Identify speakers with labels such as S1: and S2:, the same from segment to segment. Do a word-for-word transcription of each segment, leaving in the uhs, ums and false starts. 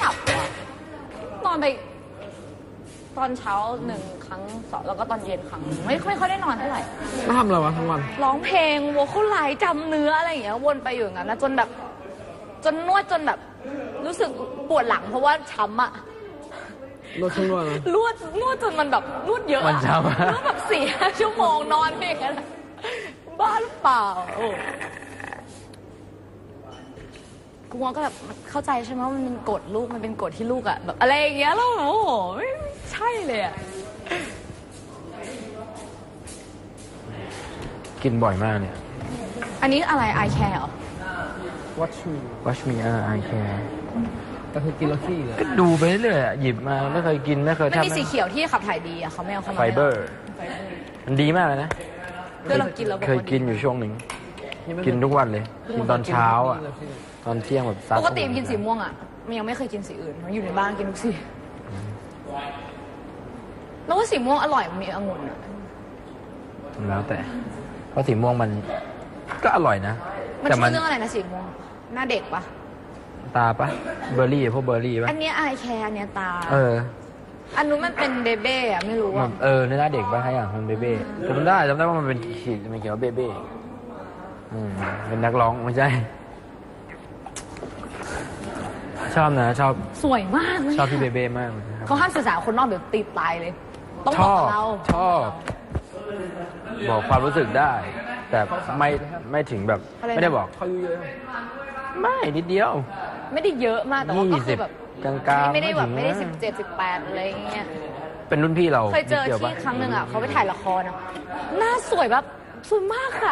S1: ลับอ่ะนอนไปตอนเช้าหนึ่งครั้งสองแล้วก็ตอนเย็นครั้งไม่ไม่ค่อยได้นอนเท่าไหร่
S2: ไม่ทำอะไรวะทั้งวัน
S1: ร้องเพลงวอลคุไลจำเนื้ออะไรอย่างเงี้ยวนไปอยู่อย่างนั้นนะจนแบบจนนวดจนแบบรู้สึกปวดหลังเพราะว่าช้ำอะ
S2: นวดเครื่องนวดนะ
S1: นวดนวดจนมันแบบนวดเยอะ
S3: มันช้ำ
S1: นวดแบบสี่ห้าชั่วโมงนอนเพลงกันบ้าหรือเปล่ากูว่าก็แบบเข้าใจใช่ไหมว่ามันเป็นกฎลูกมันเป็นกฎที่ลูกอะแบบอะไรอย่างเงี้ยแล้วโอ้โหไม่ใช่เลยอะ
S3: กินบ่อยมากเนี่ย
S1: อันนี้อะไร I care เหรอ
S2: Watch me
S3: Watch me อ่า I care
S2: แต่คือกินแล้วขี้เลย
S3: ก็ดูไปเรื่อยหยิบมาไม่เคยกินไม่เคยทำ
S1: มันมีสีเขียวที่ขับถ่ายดีอะเขาไม่เอาเข้ามา
S3: ไฟเบอร์มันดีมากเลยนะ
S1: เพื่อเรากินแล้ว
S3: เคยกินอยู่ช่วงหนึ่งกินทุกวันเลยกินตอนเช้าอ่ะตอนเที่ยงแบบ
S1: ปกติกินสีม่วงอ่ะมันยังไม่เคยกินสีอื่นมันอยู่ในบ้านกินทุกสีแล้วว่าสีม่วงอร่อยมันมีองุ่นอ่ะ
S3: แล้วแต่เพราะสีม่วงมันก็อร่อยนะ
S1: มันชื่อเรื่องอะไรนะสีม่วงหน้าเด็กปะ
S3: ตาปะเบอร์รี่พวกเบอร์รี่ปะ
S1: อันนี้ไอแคร์อันนี้ตา
S3: เออ
S1: อันนู้นมันเป็นเบเบ้อะไม่รู้อะ
S3: เออในหน้าเด็กปะให้อย่างมันเบเบ้จำได้จำได้ว่ามันเป็นขีดมันเขียนว่าเบเบ้อืมเป็นนักร้องไม่ใช่ชอบนะชอบ
S1: สวยมาก
S3: ชอบพี่เบเบ้มาก
S1: เขาห้ามสื่อสารคนนอกเดี๋ยวตีตายเลยต้องบอกเรา
S3: ชอบบอกความรู้สึกได้แต่ไม่ไม่ถึงแบบไม่ได้บอก
S2: เขาเยอะ
S3: ไม่นิดเดียว
S1: ไม่ได้เยอะมากแต่ว่าก็คือแบบ
S3: กลางๆ
S1: ไม่ได้แบบไม่ได้สิบเจ็ดสิบแปดอะไรเงี้ย
S3: เป็นรุ่นพี่เรา
S1: เคยเจอที่ครั้งหนึ่งอ่ะเขาไปถ่ายละครอ่ะหน้าสวยแบบสวยมากค่ะ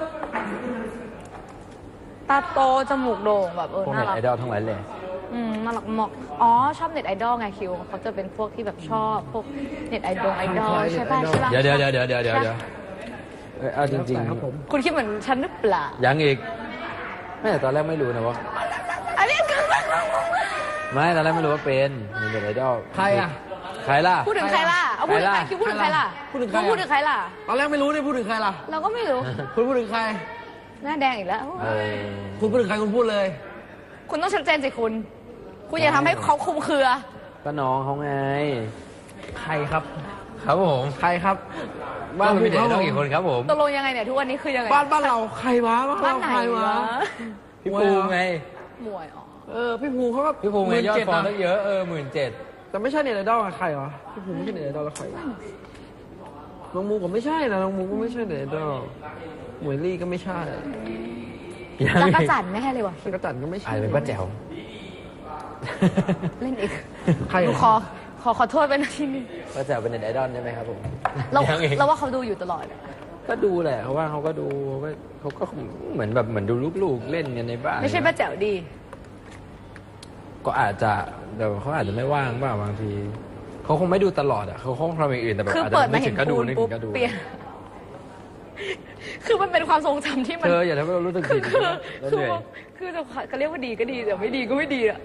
S1: ตาโตจมูกโด่งแบบเออน่ารัก
S3: ไอดอลทั้งหลายเลย
S1: อืมน่ารักมากอ๋อชอบเน็ตไอดอลไงคิวเขาจะเป็นพวกที่แบบชอบพวกเน็ตไอดอลไอดอลใช่ป่ะใช่ป่ะ
S3: เดี๋ยวเดี๋ยวเดี๋ยวเดี๋ยวเดี๋ยวเดี๋ยวเอาจริง
S2: ๆ
S1: คุณคิดเหมือนฉันหรือเปล่า
S3: ยังอีกไม่แต่ตอนแรกไม่รู้นะว่า
S1: อันนี้คือ
S3: ไม่ตอนแรกไม่รู้ว่าเป็นเน็ตไอดอล
S2: ใครอ่ะ
S3: ใครล่ะ
S1: พูดถึงใครล่ะเอาพูดถึงใครคิวพูดถึงใครล่ะ
S2: พูดถึงใคร
S1: พูดถึงใครล่ะ
S2: ตอนแรกไม่รู้นี่พูดถึงใครล่ะ
S1: เราก็ไม่รู้
S2: คุณพูดถึงใคร
S1: หน้าแดงอีกแล้ว
S2: คุณพูดถึงใครคุณพูดเลย
S1: คุณต้องชัดเจนสิคุณคุณอย่าทำให้เขาคุมเครือ
S3: ก็น้องเขาไง
S2: ใครครับ
S3: ครับผม
S2: ใครครับ
S3: บ้านมีเด็กน้องกี่คนครับผม
S1: ตกลงยังไงเนี่ยทุกวันนี้คือยังไง
S2: บ้านบ้านเราใครวะบ้านเราใครวะ
S3: พี่ภูไง
S1: มวยอ๋อ
S2: เออพี่ภูเขาก็
S3: พี่ภูไงยอดฟอลได้เยอะเออหมื่นเจ็ด
S2: แต่ไม่ใช่เน็ตไอดอลใครวะพี่ภูไม่ใช่เน็ตไอดอลแล้วใครน้องมูก็ไม่ใช่นะน้องมูก็ไม่ใช่เน็ตไอดอลหมวยลี่ก็ไม่ใช่
S1: จักรจันไม่ให้เลยวะ
S2: จักรจันก็ไม่ใช่
S3: เป็นป้าแจ๋ว
S1: เล่นอีก
S2: ใคร
S1: ขอขอขอโทษเป็นที่นี่
S3: ป้าแจ๋วเป็นเน็ตไอดอลใช่ไหมครับผม
S1: เราเราว่าเขาดูอยู่ตลอด
S3: ก็ดูแหละเขาว่าเขาก็ดูเขาก็เหมือนแบบเหมือนดูลูกๆเล่นกันในบ้าน
S1: ไม่ใช่ป้าแจ๋วดี
S3: ก็อาจจะเดี๋ยวเขาอาจจะไม่ว่างบ้างบางทีเขาคงไม่ดูตลอดอ่ะเขาคงทำอย่างอื่นแต่แบบอาจจะไม่ถึงก็ดูนึกถึงก็ดู
S1: คือมันเป็นความทรงจำที่มัน
S3: เธออย่าทำให้เรารู้สึกผิด
S1: คือคือคือจะเรียกว่าดีก็ดีแต่ไม่ดีก็ไม่ดีอ่ะ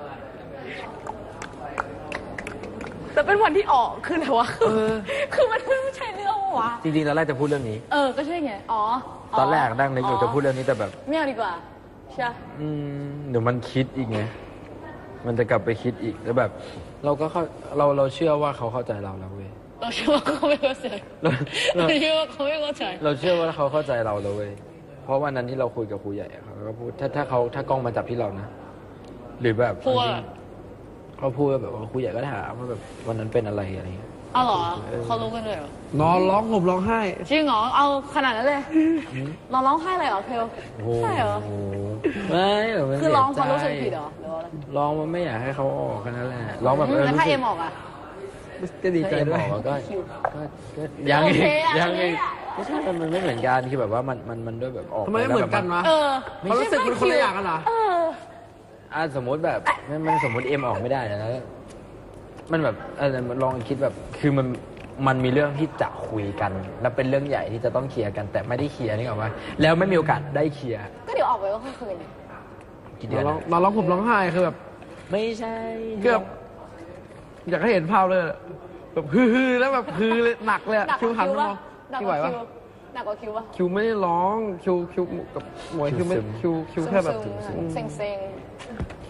S1: แต่เป็นวันที่ออกคืออะไรวะคือมันไม่ใช่เรื่องวะ
S3: จริงๆตอนแรกจะพูดเรื่องนี้
S1: เออก็ใช่ไงอ๋อ
S3: ตอนแรกดังนึกอยู่จะพูดเรื่องนี้แต่แบบ
S1: ไม่เอาดีกว่าใช่
S3: อืมเดี๋ยวมันคิดอีกไงมันจะกลับไปคิดอีกแล้วแบบเราก็เราเราเชื่อว่าเขาเข้าใจเราแล้วเว้ย
S1: เราเชื่อว่าเขาไม่เข้าใจเราเชื่อว่าเขาไม่เข้าใจ
S3: เราเชื่อว่าเขาเข้าใจเราแล้วเว้ยเพราะวันนั้นที่เราคุยกับครูใหญ่เขาก็พูดถ้าถ้าเขาถ้ากล้องมาจับที่เรานะหรือแบบเขาพูดแบบว่าครูใหญ่ก็ถามว่าแบบวันนั้นเป็นอะไรอะไรเงี้ย
S1: อ้าวเหรอเขารู้กันเลยเหร
S2: อนอนร้องห่มร้องไห้
S1: จริงเหรอเอาขนาดนั้นเลยนอนร้องไห้เลยเหรอเพลใช่เหรอ
S3: ไม่
S1: คือร้องเขารู้สึกผิดเหรอ
S3: ร้องมันไม่อยากให้เขาออกแค่นั้นแหละร้องแบบ
S1: แล้วถ้าเอ็มออกอ่ะ
S3: ก็ดีใจด้วยก็ยังอีกยังอีกไม่ใช่มันไม่เหมือนกันคือแบบว่ามันมันมันด้วยแบบออก
S2: ทำไมไม่เหมือนกันวะเขารู้สึกเป็นคนละอย่างกันเหรอ
S3: อ่าสมมติแบบมันสมมติเอ็มออกไม่ได้นะมันแบบเออมันลองคิดแบบคือมันมันมีเรื่องที่จะคุยกันแล้วเป็นเรื่องใหญ่ที่จะต้องเคลียร์กันแต่ไม่ได้เคลียร์นี่หรอวะแล้วไม่มีโอกาสได้เคลียร์
S1: ก็เดี๋ยวออกไปก็คืน
S3: กี่เดือน
S2: เราร้องผมร้องไห้คือแบบ
S3: ไม่ใช่
S2: เกือบอยากให้เห็นภาพเลยแบบฮือๆแล้วแบบฮือเลยหนักเลยคิวหันมองคิวไหวปะ
S1: หนักกว่าคิวปะ
S2: คิวไม่ได้ร้องคิวคิวกับหมวยคิวไม่คิวคิวแค่แบบ
S1: เซ็งเซ็ง
S2: คิว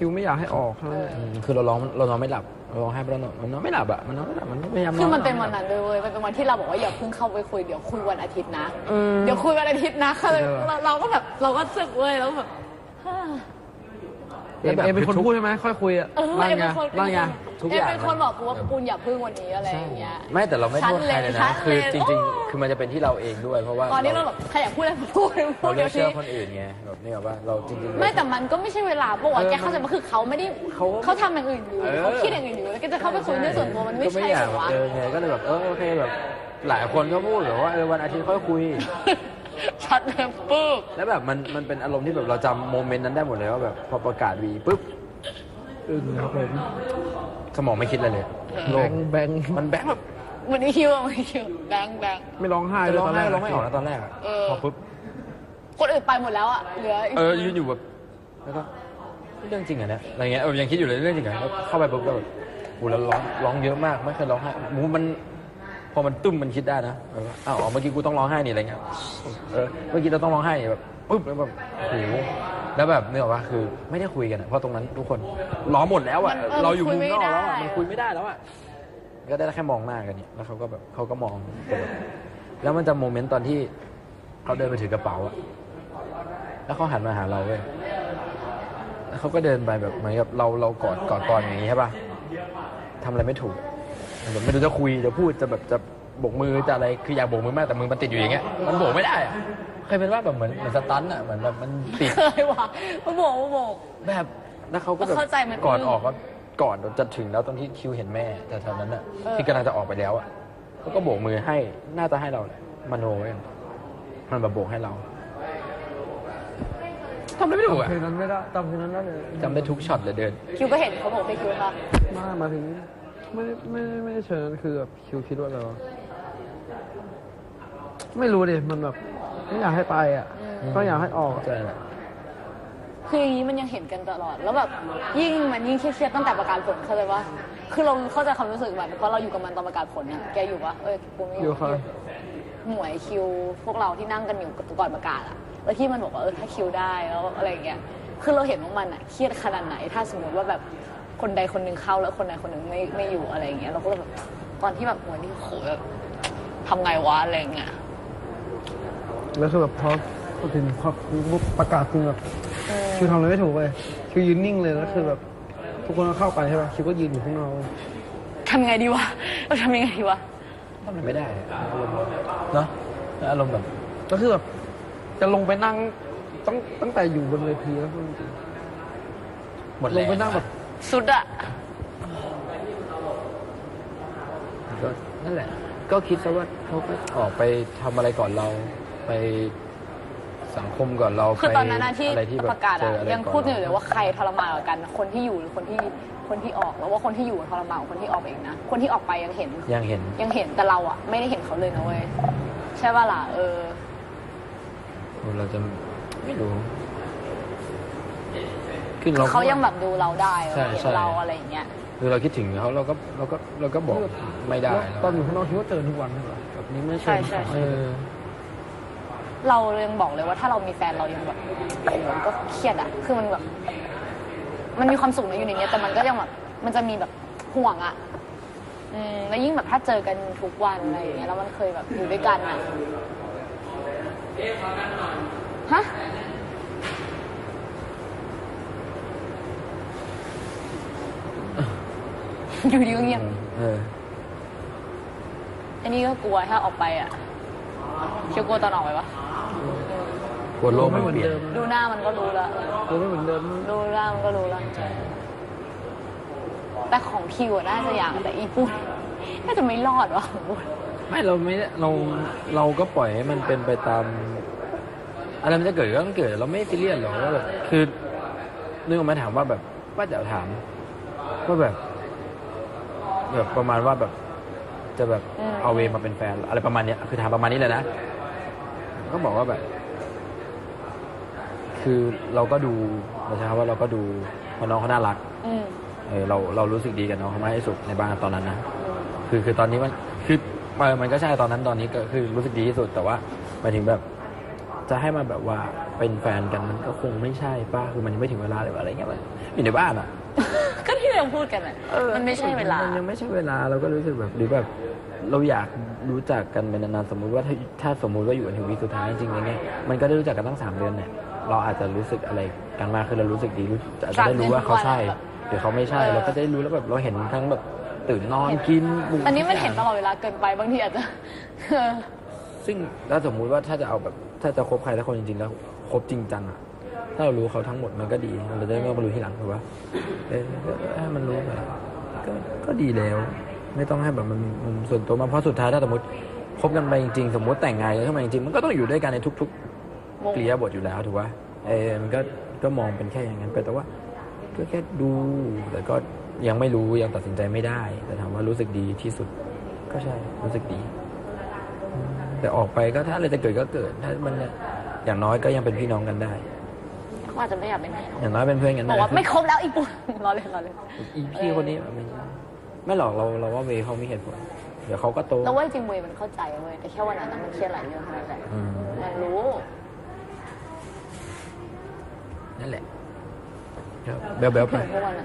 S2: คิวไม่อยากให้ออกเท่านั้นแหละ
S3: อืมคือเราร้องเรานอนไม่หลับเราร้องไห้เพราะเรานอนมันนอนไม่หลับอะมันนอนไม่หลับมันพยายามนอน
S1: คือมันเป็นวันนั้นเลยเว้ยมันเป็นวันที่เราบอกว่าอย่าเพิ่งเข้าไปคุยเดี๋ยวคุยวันอาทิตย์นะ
S2: เออ
S1: เดี๋ยวคุยวันอาทิตย์นะคือ
S2: เออ
S1: เราเราก็แบบเราก็สึกเว้ยแล้วแบบฮ่า
S2: เอ็มเอ็มเป็นคนพูดใช่ไหมค่อยคุยอ่ะ
S1: เออ
S2: นั่น
S1: เอ็ม
S2: ไง
S1: เป็นคน
S2: นั่นไง
S3: ทุก
S1: เอ็
S3: อ
S1: ม
S3: ย่าง
S1: เป็นคนบอกกูว่าปูนอย่าพึ่งวันนี้อะไรอย่างเงี้ย
S3: ไม่แต่เราไม่โทษใครเลยนะ
S1: ชัดเลย
S3: คือจ
S1: ชัดเลย
S3: ริง
S1: โอ้
S3: ๆ คือมันจะเป็นที่เราเองด้วยเพราะว่า
S1: ตอนนี้เราแบบใครอยากพูดอะไรพูดพู
S3: เรา
S1: ด
S3: เลื
S1: เดี๋
S3: อย ก
S1: ว
S3: เชื่
S1: นี้
S3: อคนอื่นไงแบบนี่แบบว่าเราจริงๆ
S1: ไม่แต่มันก็ไม่ใช่เวลาปะวะ
S2: เออ
S1: แกเข้าใจว่าคือเขาไม่ได้
S3: เขา
S1: เขาทำอย่างอื่นอยู่
S3: เออ
S1: เขาคิดอย่างอื่นอยู่แล้วก็จะเข้าไปคุยเรื่องส่วนตัวมันไม่
S3: ก็
S1: ใช่
S3: อยาก
S1: เหรอวะ
S3: เจอไงก็เลยแบบเออโอเคแบบ หลายคนก็พูดแบบว่าเออวันอาทิตย์ค่อยคุย
S1: ชัดเลยปึ๊บ
S3: แล้วแบบมันมันเป็นอารมณ์ที่แบบเราจำโมเมนต์นั้นได้หมดเลยว่าแบบพอประกาศวีปุ๊บ
S2: อึ้งครับผม
S3: สมองไม่คิดอะไรเลย
S2: แบงค์แบงค์
S3: มันแบงค์แบบ
S1: วันนี้คิวอะวันนี้คิวแบงค์แบงค์
S2: ไม่ร้องไห้
S3: จะ
S2: เลย
S3: ร้อง
S2: ตอน
S3: ไห้
S2: แรก
S3: ร้องไม่ออกนะตอนแรกอะ
S1: เออ
S3: พอปุ๊บ
S1: คนอื่นไปหมดแล้วอะเหลืออีก
S3: เออยืนอยู่แบบแล้วก็เรื่องจริงเหรอเนี่ยอะไรเงี้ยเออยังคิดอยู่เลยเรื่องจริงเหรอแล้วเข้าไปปุ๊บก็แบบโหแล้วร้องร้องเยอะมากไม่เคยร้องไห้หมูมันพอมันตุ้มมันคิดได้นะแบบว่าอ้าวอ๋อเมื่อกี้กูต้องร้องไห้นี่อะไรเงี้ยเออเมื่อกี้เราต้องร้องไห้นี่แบบปุ๊บแล้วแบบโอ้โหแล้วแบบเนี่ยว่าคือไม่ได้คุยกันอะเพราะตรงนั้นทุกคนร้องหมดแล้วอะเราอยู่มุมนอกแล้วอะมันคุยไม่ได้แล้วอะก็ได้แค่มองหน้ากันเนี่ยแล้วเขาก็แบบเขาก็มองแต่แบบแล้วมันจะโมเมนต์ตอนที่เขาเดินไปถือกระเป๋าอะแล้วเขาหันมาหาเราเว้ยแล้วเขาก็เดินไปแบบเหมือนกับเราเรากอดกอดกอดอย่างนี้ใช่ป่ะทำอะไรไม่ถูกแบบไม่รู้จะคุยจะพูดจะแบบจะโบกมือจะอะไรคืออยากโบกมือมากแต่มือมันติดอยู่อย่างเงี้ยมันโบกไม่ได้อะเคยเป็นว่าแบบเหมือนเหมือนสตันอะเหมือนแบบมันติด
S1: เคยว่ะมาโบกมาโบก
S3: แบบแล้วเขาก็แบบ
S1: เข้าใจมัน
S3: ก่อนออกก็ก่อนจะถึงแล้วตอนที่คิวเห็นแม่แต่ตอนนั้นอะ
S1: เออ
S3: ที่กำลังจะออกไปแล้วอะเขาก็โบกมือให้น่าจะให้เราแหละมโนไว้มันแบบโบกให้เราทำได้ไม่ถูกอะ
S2: เพลงนั้นไม่ได้จำเพลงนั้นได้เลย
S3: จำได้ทุกช็อตเลยเดิน
S1: คิวก็เห็นเขาบอกให้คิวค่ะ
S2: มามาถึงไม่ได้ไม่ได้ไม่ได้เชิญนั้นคือแบบคิวคิดว่าอะไรวะไม่รู้ดิมันแบบไม่อยากให้ไปอ่ะก็อยากให้ออกอะ
S3: ใช่แหละ
S1: คืออย่างนี้มันยังเห็นกันตลอด แล้วแบบยิ่งมันยิ่งเครียดๆตั้งแต่ประกาศผลเข้าใจปะคือเราเข้าใจความรู้สึกแบบเพราะเราอยู่กับมันตอนประกาศผลเนี่ยแกอยู่ปะเอ้ยกูไม่อ
S2: อยู่
S1: ยู่
S2: ค่ะ
S1: หมวยคิวพวกเราที่นั่งกันอยู่ก่อนประกาศอะแล้วที่มันบอกว่าเออถ้าคิวได้แล้วอะไรอย่างเงี้ยคือเราเห็นว่ามันอะเครียดขนาดไหนถ้าสมมติว่าแบบคนใดคนหนึ่งเข้าแล้วคนใดคนหนึ่งไม่ไม่อยู่อะไรอย่างเงี้ยเราก็เลยแบบตอนที่แบบหมวยนี่โหแบบทำไงวะอะไรอย่างเงี้ย
S2: แล้วคือแบบพอพอถึงพอปุ๊บประกาศจริงแบบคิวทำอะไรไม่ถูกเลยคิวยืนนิ่งเลยแล้วคือแบบทุกคนก็เข้าไปใช่ป่ะคิวก็ยืนอยู่ข้างนอก
S1: ทำไงดีวะเราทำยังไงดีวะ
S3: ทำอะไรไม่ได้อะอารมณ์เนาะอารมณ์แบบ
S2: ก็คือแบบจะลงไปนั่งตั้งตั้งแต่อยู่บนเวทีแล้วจริง
S3: หมด
S2: ๆล
S3: แรง
S2: ไปนั่งแบบ
S1: สุดอะ
S3: ก็นั่นแหละ ก็คิดซะว่าเขาก็ออกไปทำอะไรก่อนเราไปสังคมก่อนเรา
S1: คือตอนนั้นนะที่
S3: อะไรที่แบบ
S1: ประกาศ
S3: เจ
S1: อะ
S3: ออะไร
S1: ยัง
S3: ก่อน
S1: พูดอยู่เลยว่าใครทรมานกว่ากัน คนที่อยู่หรือคนที่คนที่ออกแล้วว่าคนที่อยู่ทรมานกว่าคนที่ออกเองนะคนที่ออกไปยังเห็น
S3: ยังเห็น
S1: ยังเห็นแต่เราอะไม่ได้เห็นเขาเลยนะเว้ยใช่ป่ะล่ะเออ
S3: เราจะไม่รู้คือเรา
S1: เขายังแบบดูเราได้
S3: ใช่
S1: เห็น
S3: ใช่
S1: เราอะไรอย่างเงี้ย
S3: คือเราคิดถึงเขาเราก็เราก็เราก็บอกไม่ได้
S2: แล้วตอนอยู่ข้างนอกคิดว่าเจอทุกวันใช่ปะแบบนี้ไม่
S1: ใช่ใช่
S3: เออ
S1: เรายังบอกเลยว่าถ้าเรามีแฟนเรายังแบบโอ้โหมันก็เครียดอะคือมันแบบ มันมีความสุขนะอยู่ในเนี้ยแต่มันก็ยังแบบมันจะมีแบบห่วงอะอืมแล้วยิ่งแบบถ้าเจอกันทุกวันอะไรอย่างเงี้ยแล้วมันเคยแบบอยู่ด้วยกันอะฮะอยู่ดีก็เงียบ
S3: เออ
S1: อันนี้ก็กลัวถ้าออกไปอะเชียวกลัวตอนออกไปปะ
S3: กลัวโลก
S2: ไม่
S3: มัน
S2: เหมือน
S3: เปลี่ยน
S2: เดิม
S1: ดูหน้ามันก็รู้แล้ว
S2: ตัวไม่เหมือนเดิม
S1: ดูหน้ามันก็รู้แล้ว
S3: ใช่
S1: แต่ของคิวอะน่าจะอย่างแต่อีปุ้นน่าจะไม่รอดวะของปุ้น
S3: ไม่เราไม่ได้เราเราก็ปล่อยให้มันเป็นไปตามอะไรมันจะเกิดก็ต้องเกิดเราไม่ซีเรียสหรอกว่าแบบคือนึกออกมาถามว่าแบบว่าจะถามว่าแบบแบบประมาณว่าแบบจะแบบเอาเวมาเป็นแฟนอะไรประมาณเนี้ยคือถามประมาณนี้เลยนะก็บอกว่าแบบ คือเราก็ดูเราใช้คำว่าเราก็ดูเพราะน้องเขาน่ารัก
S1: อืม
S3: เออเราเรารู้สึกดีกับน้องเขามากที่สุดในบ้านตอนนั้นนะคือคือตอนนี้มันคือเออมันก็ใช่ตอนนั้นตอนนี้ก็คือรู้สึกดีที่สุดแต่ว่าหมายถึงแบบ จะให้มาแบบว่าเป็นแฟนกันมันก็คงไม่ใช่ป้าคือมันยังไม่ถึงเวลาเลยอะไรเงี้ยมันอยู่ในบ้านอ่ะ
S1: ก็ที่เราพูดกันอะมันไม่ใช่เวลา
S3: นยังไม่ใช่เวลาเราก็รู้สึกแบบหรือแบบเราอยากรู้จักกันเป็นนานๆสมมุติว่าถ้าถ้าสมมุติว่าอยู่กันถึงวีคสุดท้ายจริงๆอย่างเงี้ยมันก็ได้รู้จักกันตั้งสามเดือนเนี่ยเราอาจจะรู้สึกอะไรกันมากคือเรารู้สึกดีรู้อาจจะได้รู้ว่าเขาใช่หรือเขาไม่ใช่เราก็จะได้รู้แล้วแบบเราเห็นทั้งแบบตื่นนอนกิน
S1: อันนี้มันเห็นตลอดเวลาเกินไปบางทีอาจจะ
S3: ซึ่งถ้าสมมุติว่าถ้าจะเอาแบบถ้าจะคบใครสักคนจริงๆแล้วคบจริงจังอะถ้าเรารู้เขาทั้งหมดมันก็ดีเราจะได้ไม่ต้องมารู้ทีหลังถูกปะเออให้มันรู้ไปก็ก็ดีแล้ว ไม่ต้องให้แบบมันมันส่วนตัวมาเพราะสุดท้ายถ้าสมมติคบกันไปจริงๆสมมติแต่งงานกันขึ้นมาจริงๆมันก็ต้องอยู่ด้วยกันในทุกๆเกลียบทอยู่แล้วถูกปะเออมันก็ก็มองเป็นแค่อย่างนั้นไปแต่ว่าก็แค่ดูแต่ก็ยังไม่รู้ยังตัดสินใจไม่ได้แต่ถามว่ารู้สึกดีที่สุดก็ใช่รู้สึกดีแต่ออกไปก็ถ้าอะไรจะเกิดก็เกิดถ้ามันอย่างน้อยก็ยังเป็นพี่น้องกันได้
S1: เขาอาจจะไม่อยากเป็นพี่น้อง
S3: อย่างน้อยเป็นเพื่อนกัน
S1: บ
S3: ได้
S1: อกว่าไม่ครบแล้วอีกปุ่นรอเลยรอเลย
S3: อีพี่คนนี้ไม่ใช่ไม่หรอกเราเราว่าเวย์เขามีเหตุผลเดี๋ยวเขาก็โต
S1: แล้วว่าจริงเวยมันเข้าใจเว้ยแต่แค่วันนั้นมันเครียดหลายเรื่องเท่านั้นแหละ
S3: อืม
S1: มันรู้
S3: นั่นแหละเบลเบลไป
S1: ถึงพวกมันอะ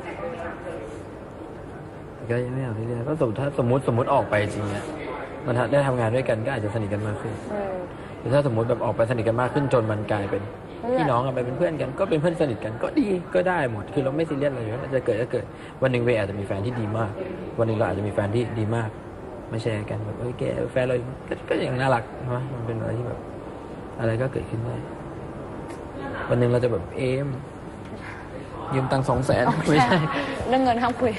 S3: ก็ยังไม่เอาที่เรียนก็สมมติถ้าสมมติสมมติออกไปจริงเนี่ยมันได้ทำงานด้วยกันก็อาจจะสนิทกันมากขึ้น
S1: อืม
S3: หรือถ้าสมมติแบบออกไปสนิทกันมากขึ้นจนมันกลายเป็น
S1: เพื่อน
S3: พี่น้องกันไปเป็นเพื่อนกันก็เป็นเพื่อนสนิทกันก็ดีก็ได้หมดคือเราไม่ซีเรียสอะไรอยู่แล้วจะเกิดก็เกิดวันหนึ่งเวย์อาจจะมีแฟนที่ดีมาก วันหนึ่งเราอาจจะมีแฟนที่ดีมากมาแชร์กันแบบเฮ้ยแกแฟนเราก็ก็อย่างน่ารักใช่ไหมมันเป็นอะไรที่แบบอะไรก็เกิดขึ้นได้วันหนึ่งเราจะแบบเอมยืมตังค์สองแสนไม่ใช่
S1: เรื่องเงินห้ามคุย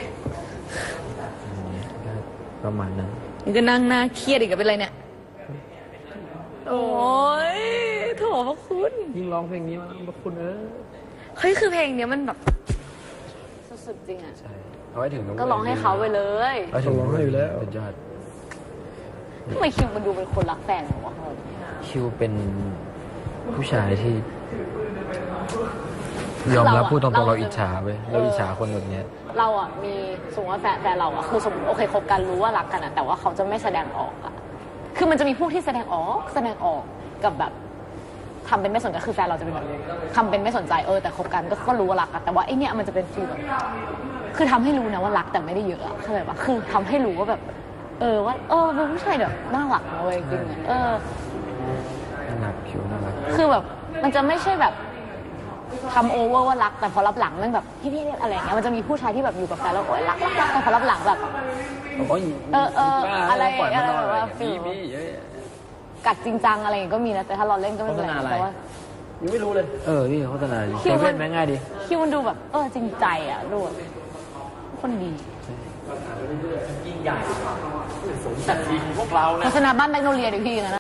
S3: ประมาณนั้น
S1: นี่ก็นั่งหน้าเครียดอีกกับเป็นไรเนี่ยโอ้ยโถพระคุณ
S2: ยิ่งร้องเพลงนี้มาพระคุณเออ
S1: เฮ้ยคือเพลงเนี้ยมันแบบสุดๆจริงอ่ะ
S3: ใช่เอาไว้ถึงน้
S1: ก็ร้องให้เขาไปเลย
S3: ไว้ถึงร้องให้อยู่แล้วเป็นยอด
S1: ทำไมคิวมันดูเป็นคนรักแฟนวะ
S3: คิวเป็นผู้ชายที่ ยอมรับพูดตรงๆเราอิจฉาเว้ยเราอิจฉาคนแบบเนี้ย
S1: เราอ่ะมีสมมติว่าแฟนแฟนเราอ่ะคือสมมติโอเคคบกันรู้ว่ารักกันอ่ะแต่ว่าเขาจะไม่แสดงออกอ่ะคือมันจะมีพวกที่แสดงออกแสดงออกกับแบบทำเป็นไม่สนใจคือแฟนเราจะเป็นแบบทำเป็นไม่สนใจเออแต่คบกันก็ก็รู้ว่ารักกันแต่ว่าไอเนี้ยมันจะเป็นฟีลแบบคือทำให้รู้นะว่ารักแต่ไม่ได้เยอะอะเข้าใจปะคือทำให้รู้ว่าแบบ เออว่าเออเป็นผู้ชายแบบน่ารักนะเว้ยจริงๆเออ
S3: น่ารักคิวน่ารัก
S1: คือแบบมันจะไม่ใช่แบบทำโอเวอร์ว่ารักแต่พอรับหลังมันแบบพี่พี่อะไรอย่างเงี้ยมันจะมีผู้ชายที่แบบอยู่กับแฟนแล้วโอ๊ยรักรักรักแต่พอรับหลังแบบ
S3: โอ้ย
S1: เออเออ
S3: บ้า
S1: อะไร
S3: ปล่อยมันนอน
S1: อะไรแบบว่า
S3: มี
S1: ฟีล
S3: มีเยอะ
S1: กัดจริงจังอะไรอย่างเงี้ยก็มีนะแต่ถ้าเราเล่นก็ไม่เป็นไร
S3: โฆษณาอะไร
S1: แต่ว่า
S3: ยังไม่รู้เลย เออพี่โฆษณาดิ
S1: คิ
S3: เซ
S1: วมัน
S3: เว่นแม่งง่ายดี
S1: คิวมันดูแบบเออจริงใจอ่ะดูแบบคนดี
S3: ยิ่งใหญ่สมศักดิ์ศรีของพวกเรานะ
S1: โฆษณาบ้านแมกโนเลียดิพี่นะ